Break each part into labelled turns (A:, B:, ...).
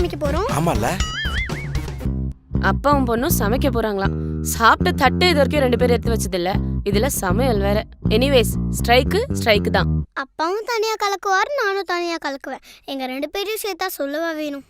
A: சமைக்க போறோம்.
B: ஆமால.
C: அப்பாவும் பொண்ணும் சமைக்க போறாங்களாம். சாப்பிட்ட தட்டு இது வரைக்கும் 2 பேரும் எடுத்து வச்சது இல்ல. இதுல சமையல் வேற. எனிவேஸ் ஸ்ட்ரைக்கு தான்.
A: அப்பாவும் தனியா கலக்குவார், நானும் தனியா கலக்குவேன். எங்க 2 பேரையும் சேர்த்தா சொல்லவா வேணும்.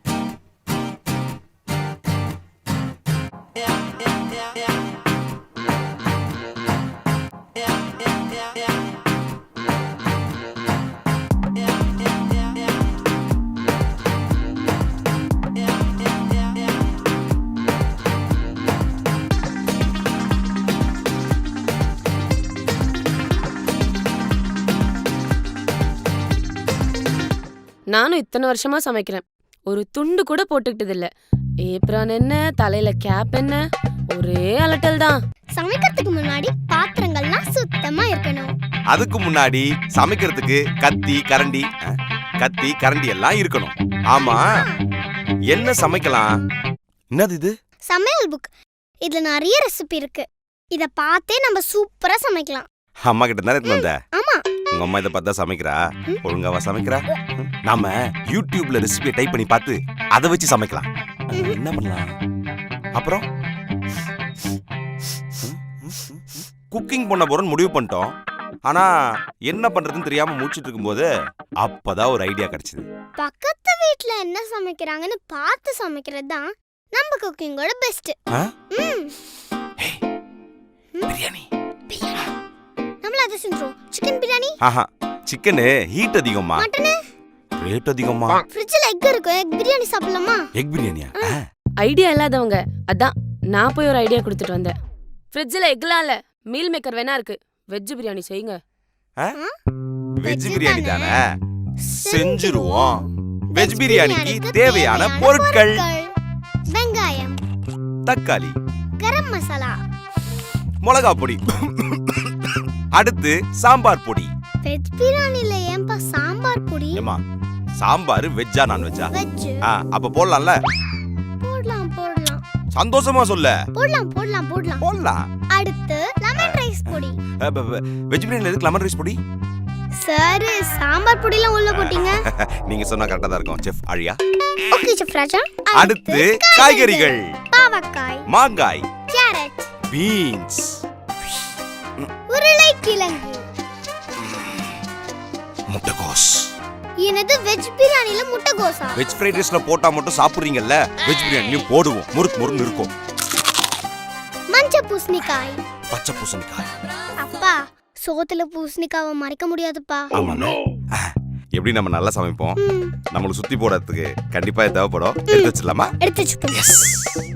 C: நானும் இத்தனை வருஷமா சமைக்கிறேன். ஒரு துண்டு கூட போட்டுக்கிட்டது இல்ல. ஏப்ரான் என்ன, தலையில கேப் என்ன, ஒரே அலட்டல் தான்.
A: சமைக்கிறதுக்கு முன்னாடி பாத்திரங்கள்லாம் சுத்தமா இருக்கணும்.
B: அதுக்கு முன்னாடி சமைக்கிறதுக்கு கத்தி கரண்டி எல்லாம் இருக்கணும். ஆமா, என்ன சமைக்கலாம்? என்னது இது?
A: சமையல் புக். இதுல நிறைய ரெசிபி இருக்கு. இத பார்த்தே நம்ம சூப்பரா சமைக்கலாம்.
B: அம்மா கிட்ட தானே எடுத்து வந்த?
A: ஆமா.
B: உங்க அம்மா இதை பார்த்தா சமைக்கிறா? ஒழுங்காவா சமைக்கிறா? நாம யூடியூப்ல ரெசிபியை டைப் பண்ணி பார்த்து அதை வச்சு சமைக்கலாம். என்ன பண்ணலாம்? அப்புறம் குக்கிங் பண்ண போறோம்னு முடிவு பண்ணிட்டோம். ஆனா என்ன பண்றதுன்னு தெரியாம முடிச்சிட்டு இருக்கும்போது அப்பதான் ஒரு ஐடியா கிடைச்சது.
A: பக்கத்து வீட்ல என்ன சமைக்கிறாங்கன்னு பார்த்து சமைக்கிறது தான் நம்ம குக்கிங்கோட பெஸ்ட்.
B: பிரியாணி.
A: நம்மள அதை செஞ்சோம். சிக்கன் பிரியாணி.
B: ஆஹா, சிக்கன் ஹீட் அதிகமா,
A: மட்டன்
B: ரேட் அதிகமா.
A: ஃப்ரிட்ஜ்ல எக் இருக்கு. எக் பிரியாணி சாப்பிடலாமா?
B: எக் பிரியாணியா?
C: ஐடியா இல்லாதவங்க அதான் நான் போய் ஒரு ஐடியா கொடுத்துட்டு வந்தேன். ஃப்ரிட்ஜ்ல எக்லாம் இல்ல, மீல் மேக்கர் வேணா இருக்கு. வெஜ் பிரியாணி செய்யுங்க.
B: வெஜ் பிரியாணி தானே, செஞ்சிருவோம். வெஜ் பிரியாணிக்கு தேவையான பொருட்கள்:
A: வெங்காயம்,
B: தக்காளி,
A: கரம் மசாலா,
B: மிளகா பொடி, அடுத்து சாம்பார் பொடி.
A: வெஜ் பிரியாணில ஏன்பா சாம்பார் பொடி?
B: ஏமா, சாம்பார் வெஜ்ஜா நான்வெஜ்ஜா?
A: வெஜ்.
B: அப்ப போடலாம்ல?
A: போடலாம்.
B: சந்தோஷமா சொல்ல.
A: போடலாம். அடுத்து லெமன் ரைஸ் பொடி.
B: வெஜ் பிரியாணில எதுக்கு லெமன் ரைஸ் பொடி?
A: சார், சாம்பார் பொடிலாம் உள்ள போட்டீங்க.
B: நீங்க சொன்னா கரெக்ட்டா தான் இருக்கும் செஃப் ஆழியா.
A: Okay chef Raja.
B: அடுத்து காய்கறிகள்:
A: பாவக்காய்,
B: மாங்காய்,
A: கேரட்,
B: பீன்ஸ்,
A: உருளைக்கிழங்கு,
B: முட்டைகோஸ்.
A: என்னது வெஜ் பிரியாணில முட்டைகோஸா?
B: வெஜ் ஃப்ரைட் ரைஸ்ல போட்டா மட்டும் சாப்பிடுறீங்கல்ல, வெஜ் பிரியாணியும் போடுவோம். முறுக்கு இருக்கும்.
A: மஞ்சள் பூசணிக்காய்,
B: பச்சை பூசணிக்காய்.
A: அப்பா, சோத்துல பூசணிக்காவை மறைக்க முடியாதுப்பா.
B: ஆமாண்ணே. எப்படி நம்ம நல்லா சமைப்போம். நம்மளுக்கு சுத்தி போடுறதுக்கு கண்டிப்பா தேவைப்படும். எடுத்து வச்சிடலாமா?
A: எடுத்து வச்சுப்போம்.